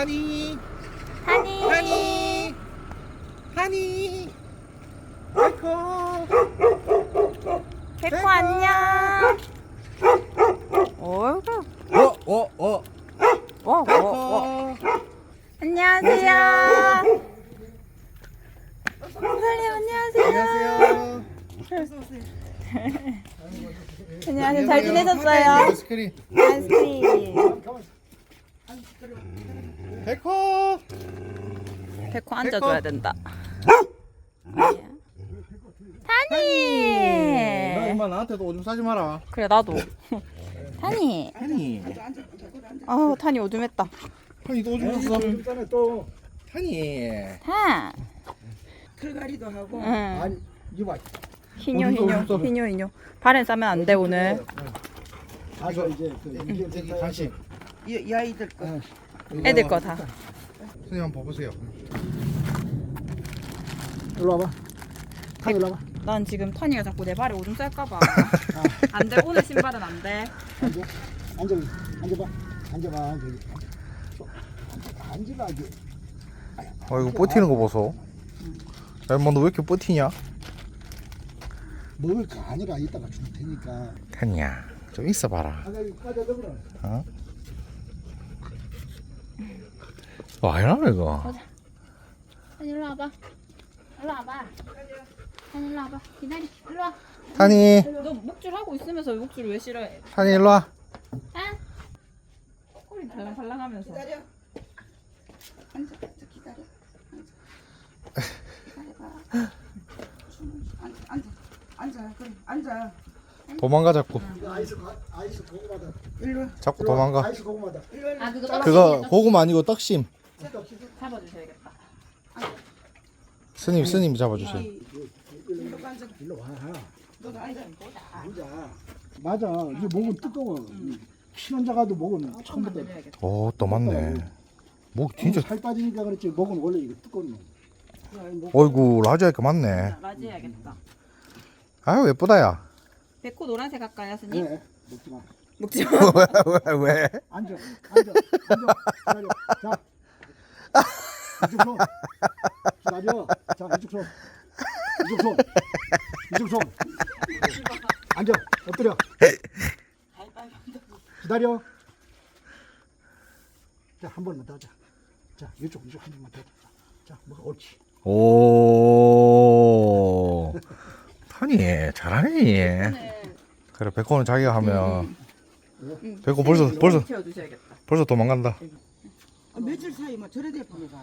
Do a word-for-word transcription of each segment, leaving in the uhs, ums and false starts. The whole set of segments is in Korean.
하니 하니 하니 하니 백호 백호 안녕. 어이구. 어어어 와, 와, 와. 백호 안녕하세요. 선생님 안녕하세요. 안녕하세요. 안녕하세요. 잘 지내셨어요? 아이스크림 아이스크림. 백호 백호 앉아줘야 된다. 나 타니. 엄마 나한테도 오줌 싸지 마라. 그래 나도. 타니. 하니 아 타니 오줌했다. 하니도 오줌 쌌어. 또 하니 타. 털갈이도 하고. 응. 아니 이봐. 희뇨 오줌 싸, 희뇨 오줌 싸. 희뇨 희뇨. 발엔 싸면 안 돼 오늘. 가서 이제 그 여기 여기 간식. 이, 이 아이들 거. 애들 거 다. 선생님 한번 봐보세요. 일로 와봐. 타 일로 와봐. 난 지금 타니가 자꾸 내 발에 오줌 쌀까봐. 안 돼 오늘 신발은 안 돼. 앉아. 앉아. 앉아봐. 앉아봐. 저기. 앉아봐. 이게. 아 이거 버티는 거 보소. 야 엄마 너 왜 이렇게 버티냐? 먹을 거 아니라 이따가 줄 테니까. 타니야 좀 있어봐라. 아가 이거 빠져 들어라. 어? 와이나 이거. 타니 일로 와봐. 일로 와봐. 타니 일로 와봐. 기다리. 일로 와. 타니 너 목줄 하고 있으면서 목줄 왜 싫어해? 타니 일로 와. 아? 꼬리 발랑발랑하면서. 기다려. 앉아. 앉아. 기다려. 앉아. 기다려봐. 앉아. 앉아. 앉아. 그래. 앉아. 도망가 자꾸. 이거 아이스 고- 아이스 고구마다. 일로 와. 자꾸 일로 와. 도망가. 아이스 고구마다. 일로 와. 아 그거 떨어지게 그거 고구마 아니고 떡심. 잡아주셔야겠다. 스님 스님 잡아주세요. 일로 앉아. 일로 와. 너도 앉아. 앉아. 맞아. 이게 목은 뜨거워. 신혼자 가도 목은 처음부터. 오 또 맞네. 목 진짜. 살 빠지니까 그렇지. 목은 원래 이거 뜨거운 놈. 어이구 라지아이가 맞네. 라지 해야겠다. 아유 예쁘다야. 백호 노란색 할까요, 스님? 네. 먹지 마. 먹지 마. 왜 왜? 앉아. 앉아. 앉아. 기다려. 자. 이쪽 손. 기다려. 자, 이쪽 손. 이쪽 손. 이쪽 손. 앉아. 엎드려. 기다려. 자, 한 번만 더 하자. 자, 이쪽, 이쪽 한 번만 더 하자. 자, 뭐가 옳지. 오. 타니 잘하네. 그래 백호는 자기가 하면. 백호 벌써 벌써 키워주셔야겠다. 벌써 도망간다. 아, 며칠 사이 뭐 저래 돼 보내가.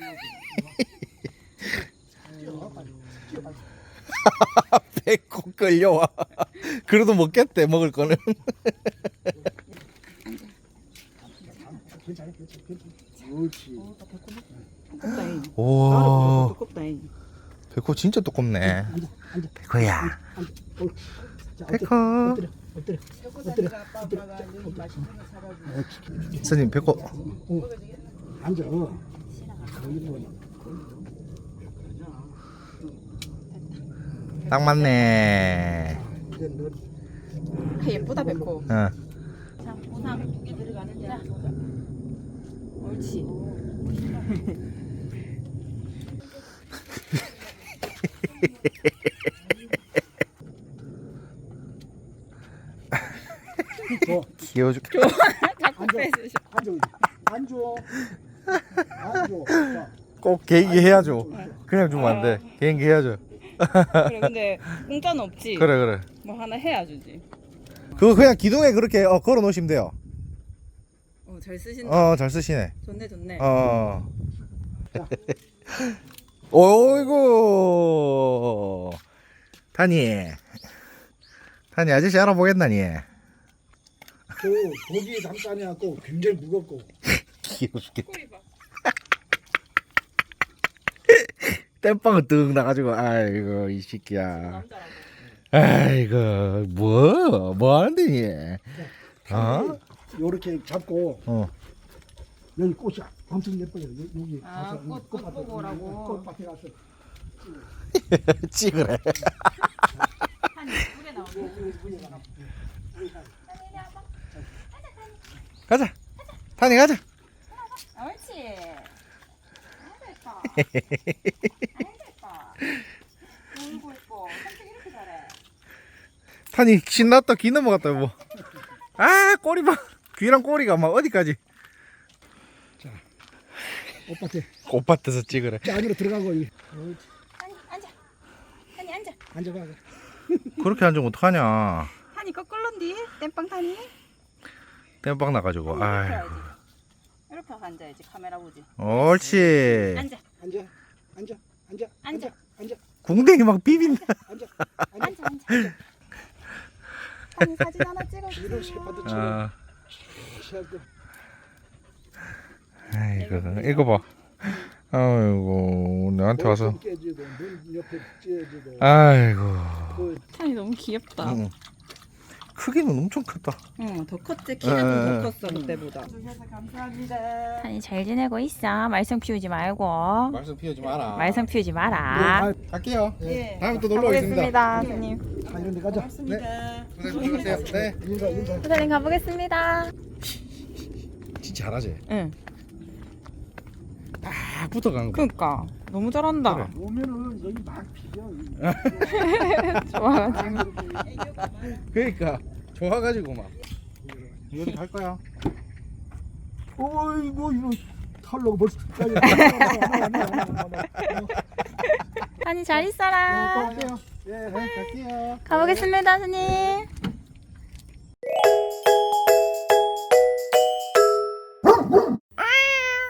백호 끌려와. 그래도 먹겠대 먹을 거는. 괜찮아, 괜찮아, 괜찮아. 옳지. 두껍다잉. 오. 두껍다잉. 백호 진짜 두껍네. 앉아, 앉아, 백호야. 앉아. 옳지. 자, 백호. 엎드려, 엎드려, 엎드려, 엎드려, 엎드려. 옳지. 스님 백호. 어. 앉아. 어. 거기 뭐. 딱 맞네. 이제 너 아, 예쁘다 백호. 어. 자 보상 두 개 들어가는 자. 옳지. 줘. 귀여워 죽. 자꾸 빼주셔. 앉아. 앉아. 앉아. 자, 꼭 개인기 해야죠. 그냥 주면 안 돼. 개인기 해야죠. 그래 근데 공짜는 없지. 그래 그래. 뭐 하나 해야 주지. 그거 그냥 기둥에 그렇게 어, 걸어 놓으시면 돼요. 어잘 쓰신다. 어 잘 쓰시네. 좋네 좋네. 어. 어이구. 타니. 타니 아저씨 알아보겠나니. 그 고기 담가니 갖고 굉장히 무겁고. 귀여워 죽겠다. 꼬리 봐. 땜빵을 뜩 나가지고 아이고 이 새끼야. 남자라고. 아이고 뭐 뭐 하는데 니? 어? 요렇게 잡고 어. 여기 꽃이 엄청 예뻐요. 여- 여기 아, 가서 꽃, 꽃 꽃밭에, 보고 오라고. 꽃밭에 가서 찍으래. 한 예쁘게 나오네. 가자. 타니 가자. 아, 옳지. 놀고 있고 산책 이렇게 잘해. 탄이 신났다 귀 넘어갔다 여보. 아 꼬리 봐. 귀랑 꼬리가 막 어디까지. 오빠한테 꽃밭에서 찍으래. 저 안으로 들어가고 이- 아니 앉아. 아니 앉아. 앉아봐. 그렇게 앉으면 어떡하냐. 타니 거꾸로인디 땜빵 타니. 땜빵 나가지고. 이렇게 아이고. 해야지. 이렇게 하고 앉아야지 카메라 보지. 옳지. 앉아. 앉아. 앉아. 앉아. 앉아. 앉아. 궁뎅이 막 비빈다. 앉아. 앉아 앉아. 타니 사진 하나 찍어주세요. 이런 셰퍼드 치고 아, 시작도 아이고 이거 봐. 아이고 나한테 와서. 깨지고 눈 옆에 찢어지고 아이고. 그 타니 너무 귀엽다. 응. 크기는 엄청 크다. 응, 더 컸지. 에, 키가 에, 좀 에. 더 컸어 그때보다. 주셔서 감사합니다. 아니 잘 지내고 있어. 말썽 피우지 말고. 말씀 피우지 마라. 말썽 피우지 마라. 갈게요. 예. 다음에 또 놀러 오겠습니다. 가보겠습니다, 선생님. 다 이런 데 가자. 고맙습니다. 고생하세요. 네. 인사 인사. 부사님 가보겠습니다. 진짜 잘하지. 응. 딱 붙어간 거. 그러니까 너무 잘한다. 그래. 오면은 여기 막 비벼. 좋아가지고. 그러니까 좋아가지고 막. 여기 갈 거야. 어이구 이거 털로 벌써 까지. 아니 잘 있어라. 갈게요. 예, 갈게요. 가보겠습니다, 스님.